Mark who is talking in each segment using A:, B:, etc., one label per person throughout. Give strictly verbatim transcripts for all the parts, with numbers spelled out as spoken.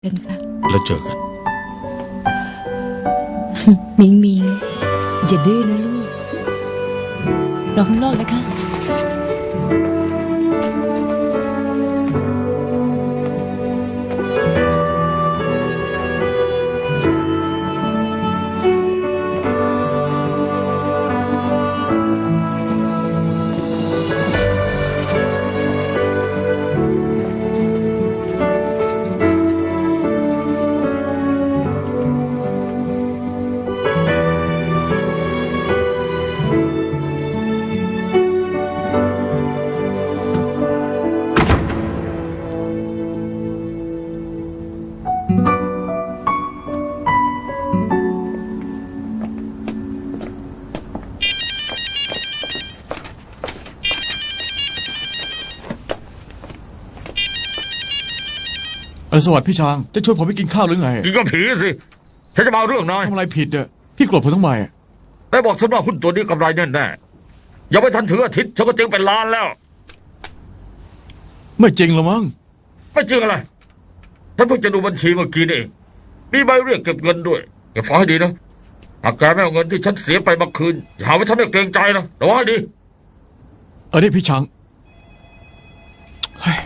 A: กันค่ะ
B: แล้วเจอกัน
A: มิงมิงอย่าดื้อนะลูก
C: รอข้างนอกนะคะ
D: อรุณสวัสดิ์พี่ช้างจะชวนผมไปกินข้าวหรือไง
B: กินก็ผีสิฉันจะมาเอาเรื่องนาย
D: ทำอะไรผิดอ่ะพี่โกรธผมทำไมอะ
B: นายบอกฉันว่าหุ้นตัวนี้กำไรแน่แน่ๆยังไม่ทันถึงอาทิตย์ฉันก็เจ๊งเป็นล้านแล้ว
D: ไม่จริงหรอมั้ง
B: ไม่จริงอะไรฉันเพิ่งจะดูบัญชีเมื่อกี้นี่เองมีใบเรียกเก็บเงินด้วยแกฟังให้ดีนะหากแกไม่เอาเงินที่ฉันเสียไปมาคืนอย่าหาว่าฉันไม่เกรงใจนะระวังให้ดี
D: เออนี่พี่ช้างเฮ้ย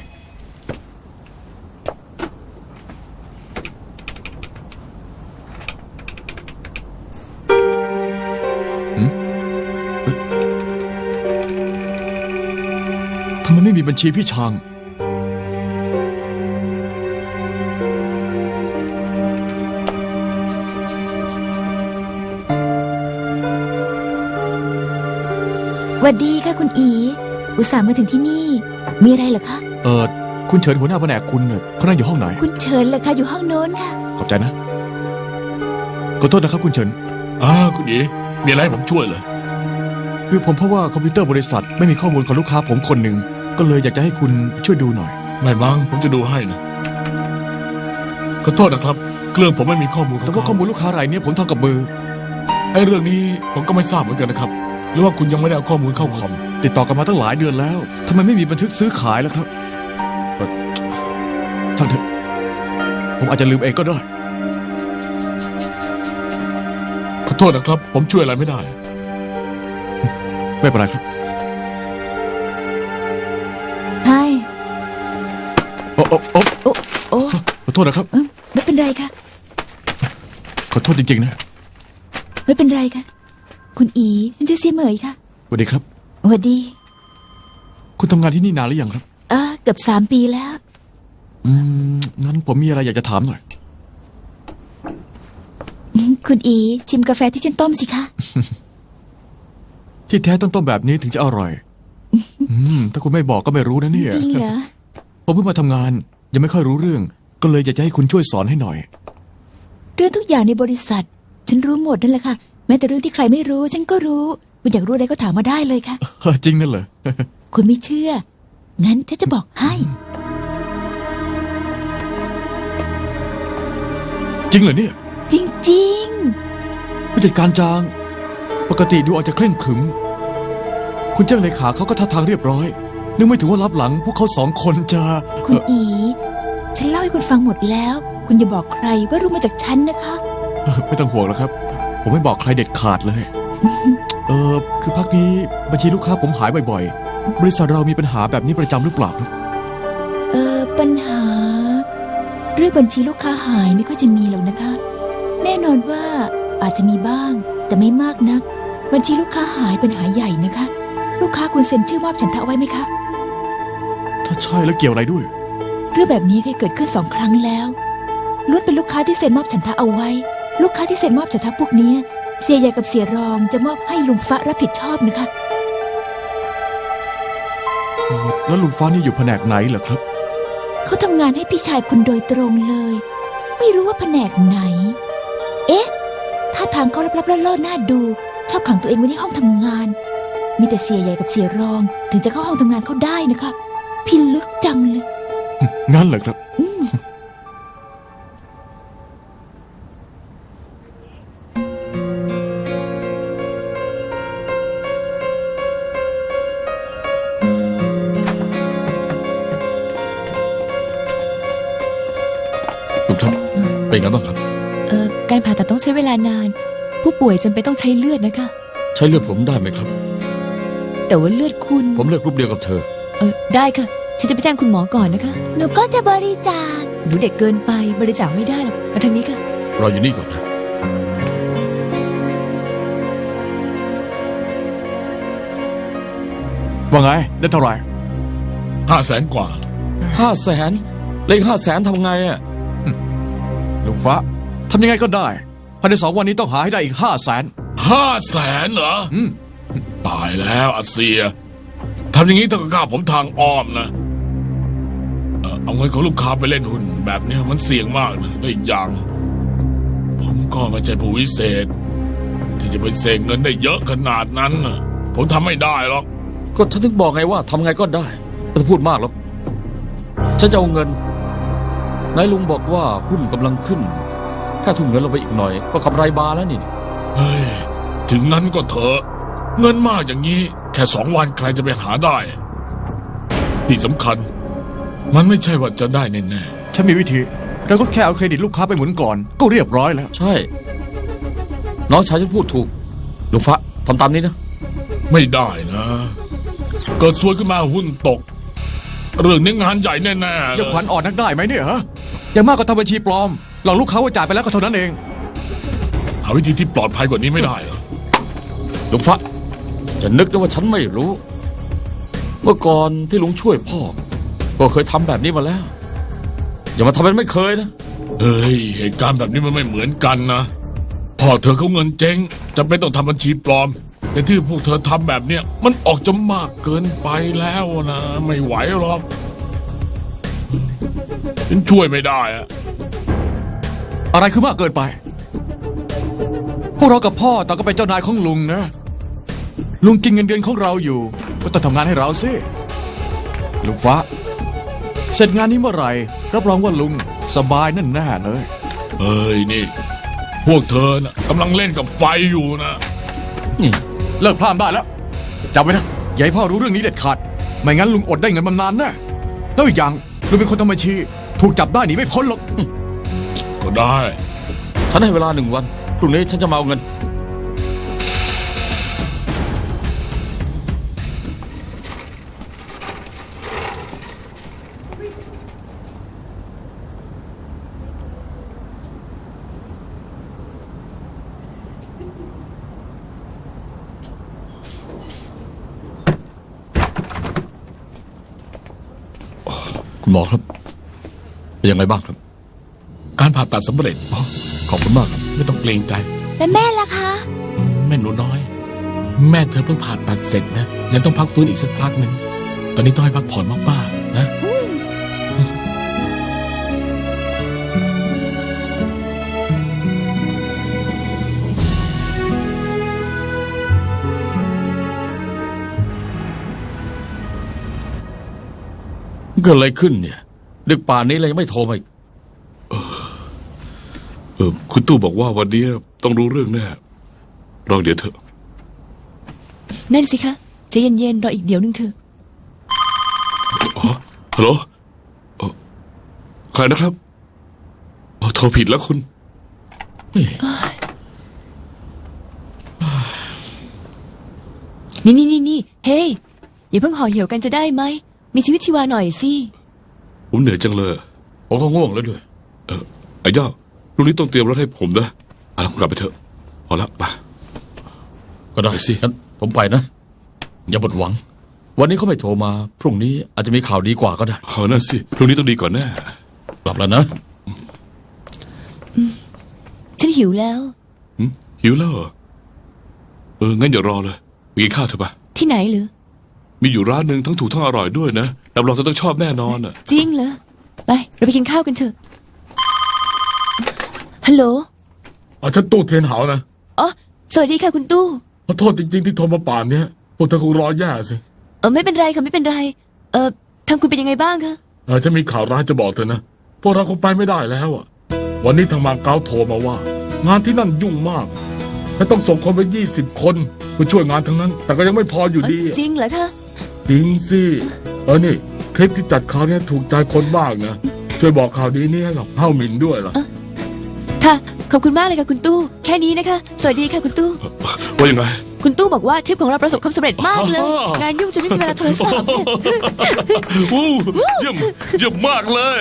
D: หืมเอ๊ะทำไมไม่มีบัญชีพี่ช้าง
A: หวัดดีค่ะคุณอี อุตส่าห์มาถึงที่นี่ มีอะไรเหรอคะ
D: เออคุณเฉินหัวหน้าแผนกคุณเนี่ยเขานั่งอยู่ห้องไหน
A: คุณเชิญเลยค่ะอยู่ห้องโน้นค่ะ
D: ขอบใจนะขอโทษนะครับคุณเฉิน
E: อ้าคุณอีมีอะไรให้ผมช่วยเหรอ
D: คือผมเพราะว่าคอมพิวเตอร์บริษัทไม่มีข้อมูลของลูกค้าผมคนหนึ่งก็เลยอยากจะให้คุณช่วยดูหน่อย
E: ไม่มั้งผมจะดูให้นะขอโทษนะครับเครื่องผมไม่มีข้อมูลขอ
D: แต่
E: ง
D: ว่าข้อ
E: เขา
D: มูลลูกค้ารายเนี้ยผมทำกับมือ
E: ไอ้เรื่องนี้ผมก็ไม่ทราบเหมือนกันนะครับ หรือว่าคุณยังไม่ได้เอาข้อมูลเข้าคอม
D: ติดต่อกันมาตั้งหลายเดือนแล้วทำไมไม่มีบันทึกซื้อขายล่ะครับเอ่อช่างเถอะผมอาจจะลืมเองก็ได้
E: ขอโทษนะครับ ผมช่วยอะไรไม่ได้
D: ไม่เป็นไรครับ
A: ใช่
D: โอ้โอ้โอ้
A: โอ้โอ้
D: ขอโทษนะครับ
A: เอ้ยไม่เป็นไรค่ะ
D: ขอโทษจริงๆนะ
A: ไม่เป็นไรค่ะ คุณอี ฉันชื่อเสี่ยเหมยค่ะ
D: สวัสดีครับ
A: หวัดดี
D: คุณทำงานที่นี่นานหรือยังครับ
A: เออเกือบสามปีแล้ว
D: อืมงั้นผมมีอะไรอยากจะถามหน่อย
A: คุณอี ชิมกาแฟที่ฉันต้มสิคะ
D: ที่แท้ต้องต้มแบบนี้ถึงจะอร่อย อืมถ้าคุณไม่บอกก็ไม่รู้นะเนี่ย
A: จริงเหรอ
D: ผมเพิ่งมาทำงาน ยังไม่ค่อยรู้เรื่อง ก็เลยอยากจะให้คุณช่วยสอนให้หน่อย
A: เรื่องทุกอย่างในบริษัท ฉันรู้หมดนั่นแหละค่ะ แม้แต่เรื่องที่ใครไม่รู้ ฉันก็รู้ คุณอยากรู้อะไรก็ถามมาได้เลยค่ะ
D: เออจริงนั่นเหรอ
A: คุณไม่เชื่อ งั้นฉันจะบอกให้
D: จริงเหรอเนี่ย
A: จริง
D: ผู้จัดการจาง ปกติดูอาจจะเคร่งขรึม คุณเจ้าเลขาเขาก็ท่าทางเรียบร้อย นึกไม่ถึงว่ารับหลัง พวกเขาสองคนจะ
A: ๆ คุณอี ฉันเล่าให้คุณฟังหมดแล้ว คุณอย่าบอกใครว่ารู้มาจากฉันนะคะ
D: เอ่อไม่ต้องห่วงแล้วครับ ผมไม่บอกใครเด็ดขาดเลย เออคือพักนี้บัญชีลูกค้าผมหายบ่อยๆ บริษัทเรามีปัญหาแบบนี้ประจำหรือเปล่าครับ
A: เออปัญหา เรื่องบัญชีลูกค้าหายไม่ค่อยจะมีหรอกนะคะ แน่นอนว่าอาจจะมีบ้าง แต่ไม่มากนัก บัญชีลูกค้าหายเป็นปัญหาใหญ่นะคะ ลูกค้าคุณเซ็นชื่อมอบฉันทะไว้ไหมคะ
D: ถ้าใช่แล้วเกี่ยวอะไรด้วย
A: เรื่องแบบนี้เคยเกิดขึ้นสองครั้งแล้วล้วนเป็นลูกค้าที่เซ็นมอบฉันทะเอาไว้ ลูกค้าที่เซ็นมอบฉันทะพวกเนี้ยเสียใหญ่กับเสียรองจะมอบให้ลุงฟ้ารับผิดชอบนะคะ
D: เออแล้วลุงฟ้านี่อยู่แผนกไหนเหรอครับ
A: เขาทำงานให้พี่ชายคุณโดยตรงเลย ไม่รู้ว่าแผนกไหน เอ๊ะท่าทางเขาลับๆล่อๆหน้าดู ชอบขังตัวเองไว้ในห้องทำงาน มีแต่เสียใหญ่กับเสียรอง ถึงจะเข้าห้องทำงานเขาได้นะคะพิลึกจังเลย
D: งั้นเหรอครับ
A: อืม
D: ลุงครับ
E: เป็นไงบ้างครับ
C: เอ่อการผ่าตัดต้องใช้เวลานาน ผู้ป่วยจำเป็นต้องใช้เลือดนะคะ
E: ใช้เลือดผมได้ไหมครับ
C: แต่ว่าเลือดคุณ
E: ผมเลือกกรุ๊ปเดียวกับเธอ
C: เออได้ค่ะ ฉันจะไปแจ้งคุณหมอก่อนนะคะ
A: หนูก็จะบริจาค
C: หนูเด็กเกินไปบริจาคไม่ได้หรอกมาทางนี้ค่ะ
E: รออยู่นี่ก่อนนะ
D: ว่าไง ได้เท่าไหร่
E: ห้าแสนกว่า
F: ห้าแสนเลขห้าแสนทำไงอ่ะ
D: ลุงฟ้าทำยังไงก็ได้ภายในสองวันนี้ต้องหาให้ได้อีกห้าแสน
E: ห้าแสนเหรอ
D: อืม
E: ตายแล้วอาเซียทำอย่างนี้ต้องฆ่าผมทางอ้อมนะเอ่อเอาเงินของลูกค้าไปเล่นหุ้นแบบเนี้ยมันเสี่ยงมากนะและอีกอย่าง ผมก็ไม่ใช่ผู้วิเศษ ที่จะไปเสกเงินได้เยอะขนาดนั้นน่ะผมทำไม่ได้หรอก
F: ก็ฉันถึงบอกไงว่าทำไงก็ได้ไม่ต้องพูดมากหรอกฉันจะเอาเงินนายลุงบอกว่าหุ้นกำลังขึ้นแค่ทุ่มเงินลงไปอีกหน่อย ก็กำไรบานแล้วนี่
E: เฮ้ย ถึงนั้นก็เถอะ เงินมากอย่างนี้ แค่สองวันใครจะไปหาได้ ที่สำคัญ มันไม่ใช่ว่าจะได้แน่
D: ฉันมีวิธีเราก็แค่เอาเครดิตลูกค้าไปหมุนก่อน ก็เรียบร้อยแล้ว
F: ใช่ น้องชายฉันพูดถูกลุงฟ้าทำตามนี้นะ
E: ๆไม่ได้นะ เกิดซวยขึ้นมาหุ้นตก เรื่องนี้งานใหญ่แน่ๆเล
D: อย่าย ขวัญอ่อนนักได้ไหมเนี่ยฮะอย่างมากก็ทำบัญชีปลอมหลอกลูกค้าว่าจ่ายไปแล้วก็เท่านั้นเอง
E: หาวิธีที่ปลอดภัยกว่านี้ไม่ได้เหรอ
F: ลุงฟ้าจะนึกได้ว่าฉันไม่รู้ เมื่อก่อนที่ลุงช่วยพ่อ ก็เคยทำแบบนี้มาแล้ว อย่ามาทำเป็นไม่เคยนะ
E: เฮ้ย เหตุการณ์แบบนี้มันไม่เหมือนกันนะพ่อเธอเขาเงินเจ๊งจำเป็นต้องทำบัญชีปลอม แต่ที่พวกเธอทำแบบเนี้ยมันออกจะมากเกินไปแล้วนะ ไม่ไหวหรอกฉันช่วยไม่ได้อะ
D: อะไรคือมากเกินไป พวกเรากับพ่อต่างก็เป็นเจ้านายของลุงนะ ลุงกินเงินเดือนของเราอยู่ ก็ต้องทำงานให้เราสิลุงฟ้า เสร็จงานนี้เมื่อไหร่รับรองว่าลุงสบายแน่ๆเลย
E: เฮ้ยนี่ พวกเธอนะกำลังเล่นกับไฟอยู่นะ
F: นี่
D: เลิกพลาดได้แล้วจำไว้นะอย่าให้พ่อรู้เรื่องนี้เด็ดขาดไม่งั้นลุงอดได้เงินมานานแน่แล้วอีกอย่างลุงเป็นคนทำบัญชี ถูกจับได้หนีไม่พ้นหรอก
E: ก็ได้
F: ฉันให้เวลาหนึ่งวันพรุ่งนี้ฉันจะมาเอาเงิน
E: คุณหมอครับ
F: เป็นยังไงบ้างครับ
E: การผ่าตัดสำเร็จอ๋อขอบคุณมากครับไม่ต้องเกรงใจ
A: และแม่ล่ะคะ
E: อืมแม่หนูน้อย แม่เธอเพิ่งผ่าตัดเสร็จนะยังต้องพักฟื้นอีกสักพักหนึ่งตอนนี้ต้องให้พักผ่อนมากๆนะ
F: เกิดอะไรขึ้นเนี่ยดึกป่านนี้เลยยังไม่โทรมาอีก
E: เออคุณตู้บอกว่าวันนี้ต้องรู้เรื่องแน่รอเดี๋ยวเถอะ
C: นั่นสิคะใจเย็นๆรออีกเดี๋ยวนึงเถอะ
E: อ๋อฮัลโหลเอ่อใครนะครับอ๋อโทรผิดแล้วคุณ
C: นี่นี่นี่นี่เฮ้ยอย่าเพิ่งห่อเหี่ยวกันจะได้ไหมมีชีวิตชีวาหน่อยสิ
E: ผมเหนื่อยจังเลย
F: ผมก็ง่วงแล้วด้วย
E: เออไอ้ย่าลูกนี้ต้องเตรียมรถให้ผมนะเอาละคุณกลับไปเถอะพอละไป
F: ก็ได้สิงั้นผมไปนะ อย่าหมดหวัง วันนี้เขาไม่โทรมา พรุ่งนี้อาจจะมีข่าวดีกว่าก็ได้
E: เอานั่นสิลูกนี้ต้องดีก่อนแน่
F: กลับแล้วนะ
C: ฉันหิวแล้ว
E: หึหิวแล้วเหรอเอองั้นอย่ารอเลยไปกินข้าวเถอะปะ
C: ที่ไหนเหรอ
E: มีอยู่ร้านหนึ่งทั้งถูกทั้งอร่อยด้วยนะรับรองเธอต้องชอบแน่นอนอ่ะ
C: จริงเหรอไปเราไปกินข้าวกันเถอะฮัลโหล
E: เอาฉันตู้เทียนเหานะ
C: อ๋อสวัสดีค่ะคุณตู้
E: ขอโทษจริงๆที่โทรมาป่านเนี้ยพวกเธอคงรอแย่สิ
C: เออไม่เป็นไรค่ะไม่เป็นไร เออทางคุณเป็นยังไงบ้างคะ
E: เออฉันมีข่าวร้ายจะบอกเธอนะพวกเราคงไปไม่ได้แล้วอ่ะวันนี้ทางมาเก๊าโทรมาว่า งานที่นั่นยุ่งมากและต้องส่งคนไปยี่สิบคนเพื่อช่วยงานทั้งนั้น แต่ก็ยังไม่พออยู่ดี
C: จริงเหรอคะ
E: จริงสิเออนี่คลิปที่จัดคราวนี้ถูกใจคนบ้างนะช่วยบอกข่าวดีนี้ให้กับเฮ้าหมินด้วยล่ะ
C: ค่ะ ขอบคุณมากเลยค่ะคุณตู้ แค่นี้นะคะ สวัสดีค่ะคุณตู้
E: ว่ายังไง
C: คุณตู้บอกว่าทริปของเราประสบความสำเร็จมากเลย
E: อ๋อ
C: งานยุ่งจนไม่มีเวลาโทรศัพท์เนี่ย
E: วู้เยี่ยมเยี่ยมมากเลย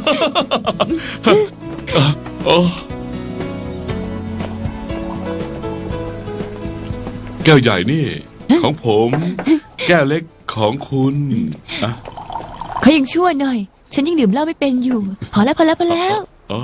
E: โอ้แก้วใหญ่นี่ ของผม แก้วเล็กของคุณอ่ะ
C: เขายังชั่วหน่อย ฉันยังดื่มเหล้าไม่เป็นอยู่ พอแล้วพอแล้วพอแล้ว
E: อ๋อ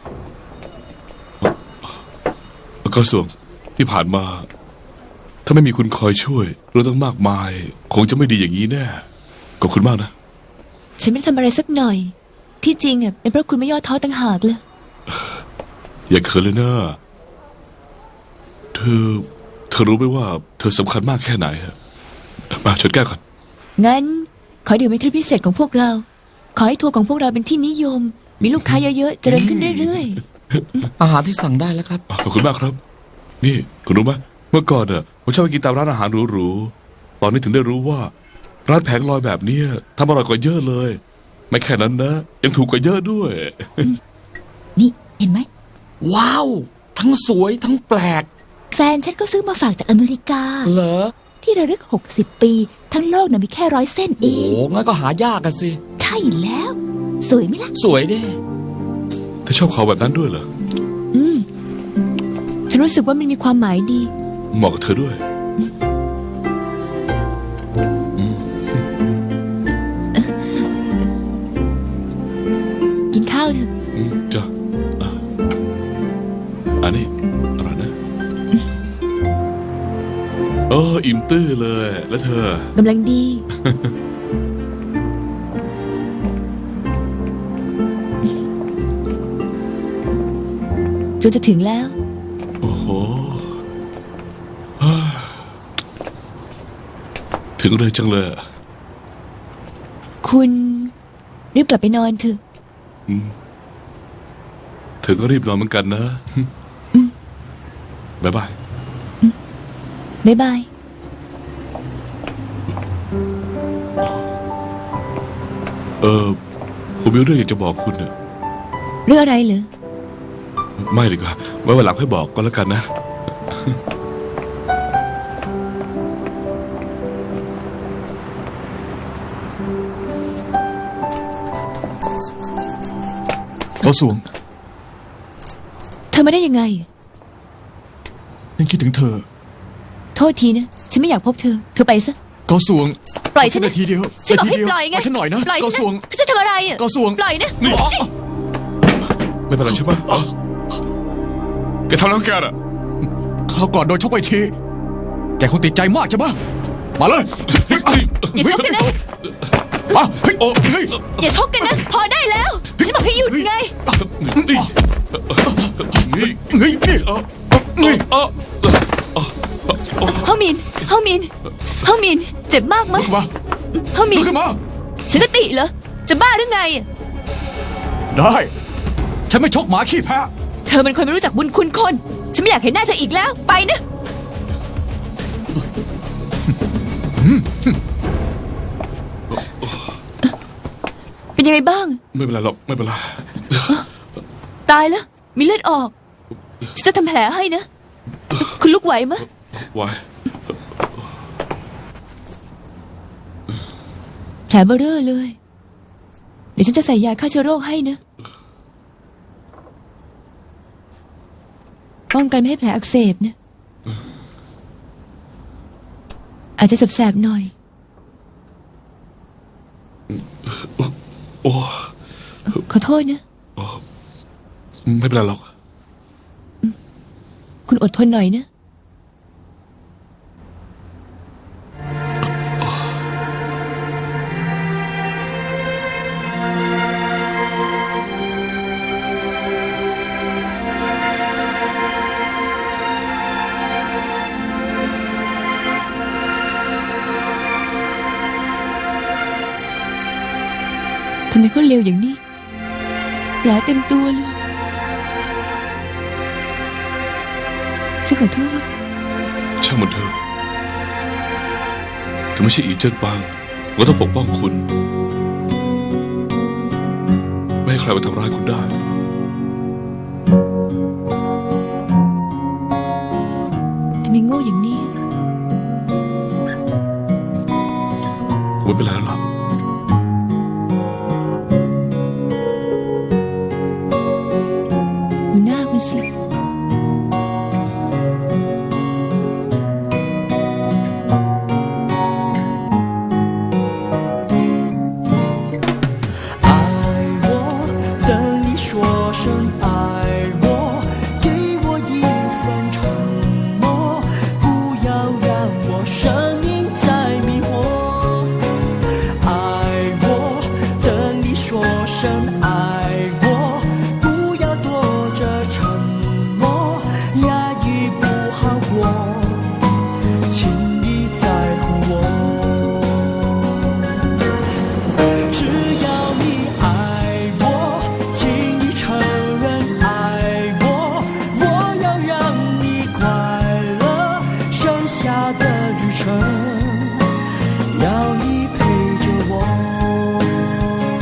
E: ก็ส่วนที่ผ่านมา ถ้าไม่มีคุณคอยช่วยเรื่องตั้งมากมาย คงจะไม่ดีอย่างนี้แน่ขอบคุณมากนะ
C: ฉันไม่ได้ทำอะไรสักหน่อย ที่จริงอ่ะเป็นเพราะคุณไม่ย่อท้อต่างหากเลย
E: อย่าเขินเลยนะเธอ เธอรู้ไหมว่า เธอสำคัญมากแค่ไหนฮะมาชดแก้วกัน
C: งั้น ขอดื่มเป็นทริปพิเศษของพวกเรา ขอให้ทัวร์ของพวกเราเป็นที่นิยม มีลูกค้าเยอะๆ เจริญขึ้นเรื่อย
F: อาหารที่สั่งได้แล้วครับ
E: ขอบคุณมากครับ นี่คุณรู้ไหมเมื่อก่อนเน่ะผมชอบไปกินตามร้านอาหารหรูๆตอนนี้ถึงได้รู้ว่า ร้านแผงลอยแบบเนี้ยทำอร่อยกว่าเยอะเลย ไม่แค่นั้นนะ ยังถูกกว่าเยอะด้วย
A: ๆ นี่เห็นไหม
F: ว้าว ทั้งสวยทั้งแปลก
A: แฟนฉันก็ซื้อมาฝากจากอเมริกา
F: เหรอ
A: ที่ระลึกหกสิบปี ทั้งโลกน่ะมีแค่ร้อยเส้นเอ
F: โอ้
A: ง
F: งั้นก็หายากกันสิ
A: ใช่แล้ว สวยไหมล่ะ
F: สวยเด้
E: เธอชอบเขาแบบนั้นด้วยเหรอ
C: ๆ อืม ฉันรู้สึกว่ามันมีความหมายดี
E: เหมาะกับเธอด้วย
C: กินข้าวเถอะ
E: อืมจ้ะอ่ะอันนี้อร่อยนะ เอออิ่มตื้อเลย แล้วเธอ
C: กำลังดี จนจะถึงแล้ว
E: โอ้โหเฮ้ยถึงเลยจังเลยอะ
C: คุณรีบกลับไปนอนเถอะ
E: เธอก็รีบนอนเหมือนกันนะบ๊ายบาย
C: บ๊ายบาย
E: เออผมมีเรื่องอยากจะบอกคุณเนี่ย
C: เรื่องอะไรเหรอ
E: ไม่ดีกว่าไว้วันหลังค่อยบอกก็แล้วกันนะ
D: เกาสวง
C: เธอมาได้ยังไง
D: ยังคิดถึงเธอ
C: โทษทีนะ ฉันไม่อยากพบเธอ เธอไปซะ
D: เกาสวง
C: ปล่อยฉันนะ
D: นาทีเดียว
C: ฉันบอกให้
D: นาทีเดีว
C: ปล่อยไง
D: ฉันหน่อยนะ
C: ปล่อย
D: เกาสวง
C: ฉันจะทำอะไรอ่ะ
D: เกาสวง
C: ปล่อยนะ
E: นี่ไม่เป็นไรใช่ปะอ๋อแกทำแล้วแกน่ะ
D: คราวก่อนโดนชกไปที แกคงติดใจมากใช่ปะมาเลย
C: อย่าชกกันนะ
D: มาเฮ้ยโอ้เฮ้ย
C: อย่าชกกันนะ พอได้แล้ว ฉันบอกให้หยุดไง
E: นี่นี่
D: เฮ้ยนี่
E: เออ
D: นี่
E: เออ
C: เฮามิน เฮามิน เฮามิน เจ็บมากไหม
D: ลุกขึ้นมา
C: เฮามิ
D: ลุ
C: น
D: กขึ้นมา
C: ฉันจะติเหรอ จะบ้าหรือไงอะ
D: ได้ ฉันไม่ชกหมาขี้แพ้
C: เธอเป็นคนไม่รู้จักบุญคุณคน ฉันไม่อยากเห็นหน้าเธออีกแล้ว ไปนะ เป็นยังไงบ้าง
E: ไม่เป็นไรหรอกไม่เป็นไร
C: ตายแล้ว มีเลือดออก ฉันจะทำแผลให้นะ คุณลุกไหวไหมะ
E: ไว้
C: แผลเบอเร่อเลย เดี๋ยวฉันจะใส่ยาฆ่าเชื้อโรคให้นะ ป้องกันไม่ให้แผลอักเสบนะ อาจจะแสบๆหน่อย
E: โอ้
C: ขอโทษนะ
E: ไม่เป็นไรหรอก
C: คุณอดทนหน่อยนะ ทำไมเขาเร็วอย่างนี้แผลเต็มตัวเลย ฉันขอโทษ
E: ช่างมันเถอะถึงไม่ใช่อีเจิ้นปางก็ต้องปกป้องคุณ ไม่ให้ใครมาทำร้ายคุณได้
C: สิ
G: 爱我，等你说声爱我，给我一份承诺，不要让我生命再迷惑。爱我，等你说声爱我，不要躲着沉默，压抑不好过，请你在乎我。只要你爱我，请你承认爱我，我要让你快乐，剩下的旅程要你陪着我。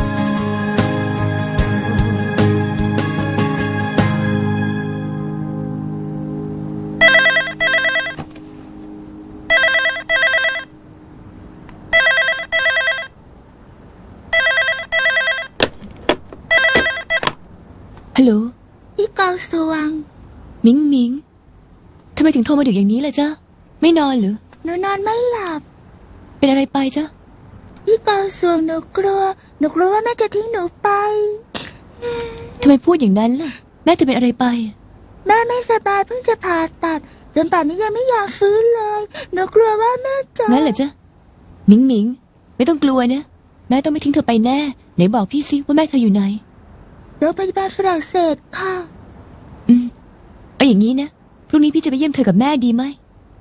C: ฮัลโหล
A: พี่กาวสว่าง
C: มิงมิงทำไมถึงโทรมาดึกอย่างนี้ล่ะจ๊ะ ไม่นอนหรือ
A: หนูนอนไม่หลับ
C: เป็นอะไรไปจ๊ะ
A: พี่กาวสว่างหนูกลัว หนูกลัวว่าแม่จะทิ้งหนูไป
C: ทำไมพูดอย่างนั้นล่ะ แม่เธอเป็นอะไรไป
A: แม่ไม่สบายเพิ่งจะผ่าตัด จนป่านนี้ยังไม่อยากฟื้นเลย หนูกลัวว่าแม่จะ
C: งั้นเหรอจ๊ะ มิงมิง ไม่ต้องกลัวนะ แม่ต้องไม่ทิ้งเธอไปแน่ ไหนบอกพี่สิว่าแม่เธออยู่ไหน
A: โรงพยาบาลฝรั่งเศสค่ะ
C: อืมเอาอย่างนี้นะ พรุ่งนี้พี่จะไปเยี่ยมเธอกับแม่ดีไหม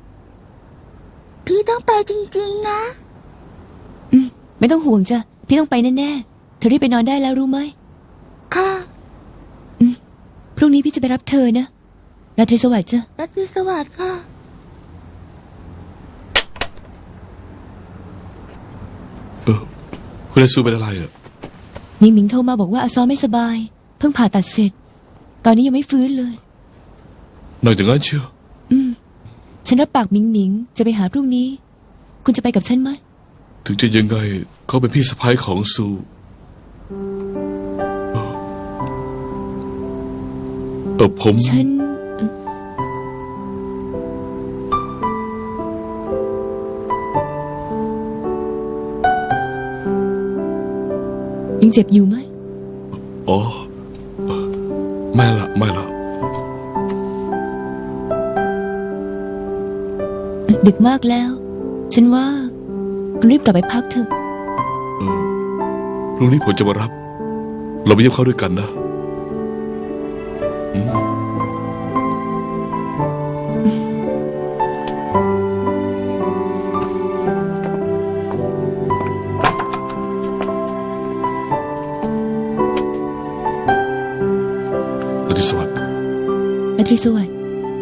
A: พี่ต้องไปจริงๆนะ
C: อืมไม่ต้องห่วงจ้ะ พี่ต้องไปแน่ๆ เธอรีบไปนอนได้แล้วรู้ไหม
A: ค่ะ
C: พรุ่งนี้พี่จะไปรับเธอนะ ราตรีสวัสดิ์จ้ะ
A: รัตรีสวัสดิ์ค่ะ
E: เออคุณเลซูเป็นอะไรอ่ะ
C: มิงมิงโทรมาบอกว่าอาซอไม่สบาย เพิ่งผ่าตัดเสร็จ ตอนนี้ยังไม่ฟื้นเลย
E: นอกจากนั้นเชียว
C: อืม ฉันรับปากมิงมิงจะไปหาพรุ่งนี้ คุณจะไปกับฉันไหม
E: ถึงจะยังไงเขาเป็นพี่สะพ้ายของซูเออเออผม
C: ฉัน ยังเจ็บอยู่ไหม
E: อ๋อเออไม่ละไม่ละ
C: ดึกมากแล้ว ฉันว่าคุณรีบกลับไปพักเถอะ
E: เออพรุ่งนี้ผมจะมารับ เราไปเยี่ยมเขาด้วยกันนะอืมราตรีสวัสดิ์
C: ราตรีสวัสดิ์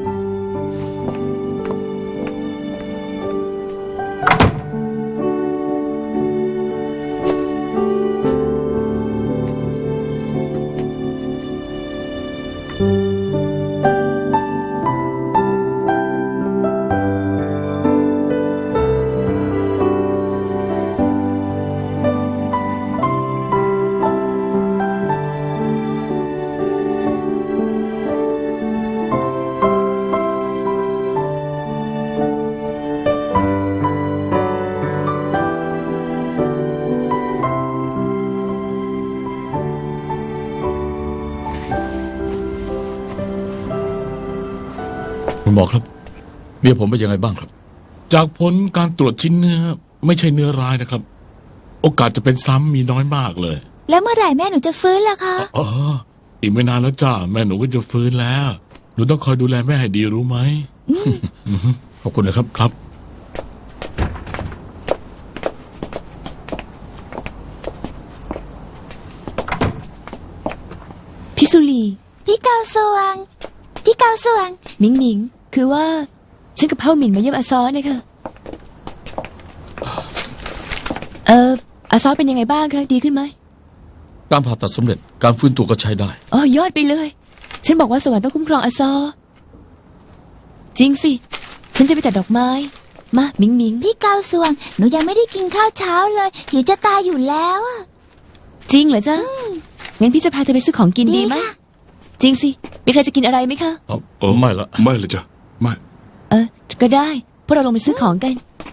F: คุณหมอครับ เมียผมเป็นยังไงบ้างครับ
E: จากผลการตรวจชิ้นเนื้อ ไม่ใช่เนื้อร้ายนะครับ โอกาสจะเป็นซ้ำมีน้อยมากเลย
A: แล้วเมื่อไหร่แม่หนูจะฟื้นล่ะคะ
E: อ๋ออีกไม่นานแล้วจ้าแม่หนูก็จะฟื้นแล้ว หนูต้องคอยดูแลแม่ให้ดีรู้ไหม
F: ขอบคุณนะครับ
E: ครับ
C: พี่สุรี
A: พี่กาวสว่าง พี่กาวสว่าง
C: มิงมิง คือว่า ฉันกับเฮาหมินมาเยี่ยมอาซอนะคะเอออาซอเป็นยังไงบ้างคะ ดีขึ้นไหม
F: การผ่าตัดสำเร็จ การฟื้นตัวก็ใช้ได้
C: อ๋อยอดไปเลย ฉันบอกว่าสวรรค์ต้องคุ้มครองอาซอ จริงสิ ฉันจะไปจัดดอกไม้ มามิงมิง
A: พี่กาวสว่าง หนูยังไม่ได้กินข้าวเช้าเลยหิวจะตายอยู่แล้วอะ
C: จริงเหรอจ๊ะ งั้นพี่จะพาเธอไปซื้อของกินดีไหม
A: ค่ะ
C: จจริงสิ มีใครจะกินอะไรไหมคะ
F: เอาเออไม่ละ
E: ไม่เลยจ้ะไม่
C: เออ ก็ได้ พวกเราลงไปซื้อของกัน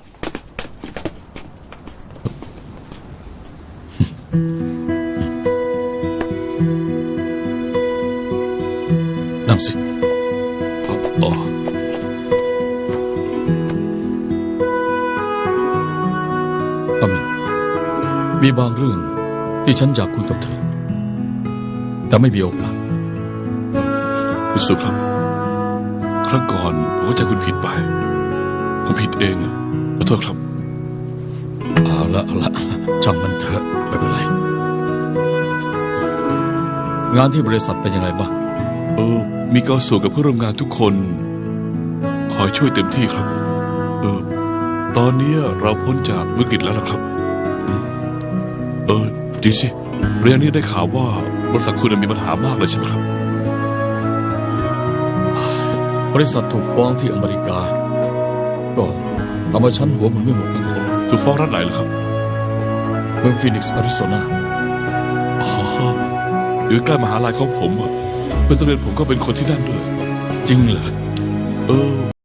F: นั่งสิอ๋ออามินมีบางเรื่องที่ฉันอยากคุยกับเธอ แต่ไม่มีโอกาส
E: คุณสุครับ ครั้งก่อนผมเข้าใจคุณผิดไป ผมผิดเองอะขอโทษครับ
F: เอาละเอาละช่างมันเถอะไม่เป็นไร งานที่บริษัทเป็นยังไงบ้าง
E: เออ มีเกาสูกับเพื่อนร่วมงานทุกคนคอยช่วยเต็มที่ครับ เออ ตอนนี้เราพ้นจากวิกฤตแล้วนะครับอืมเออ ดีสิเรื่องนี้ได้ข่าวว่าบริษัทคุณมีปัญหามากเลยใช่ไหมครับ
F: บริษัทถูกฟ้องที่อเมริกา ก็ทำให้ฉันหัวหมุนไม่หมดเหมือนกัน
E: ถูกฟ้องรัฐไหนล่ะครับ
F: เมืองฟีนิกซ์อาริโซนา
E: อ๋ออยู่ใกล้มหาลัยของผมอะเพื่อนตำรวจผมก็เป็นคนที่นั่นด้วย
F: จริงเหรอ
E: เออ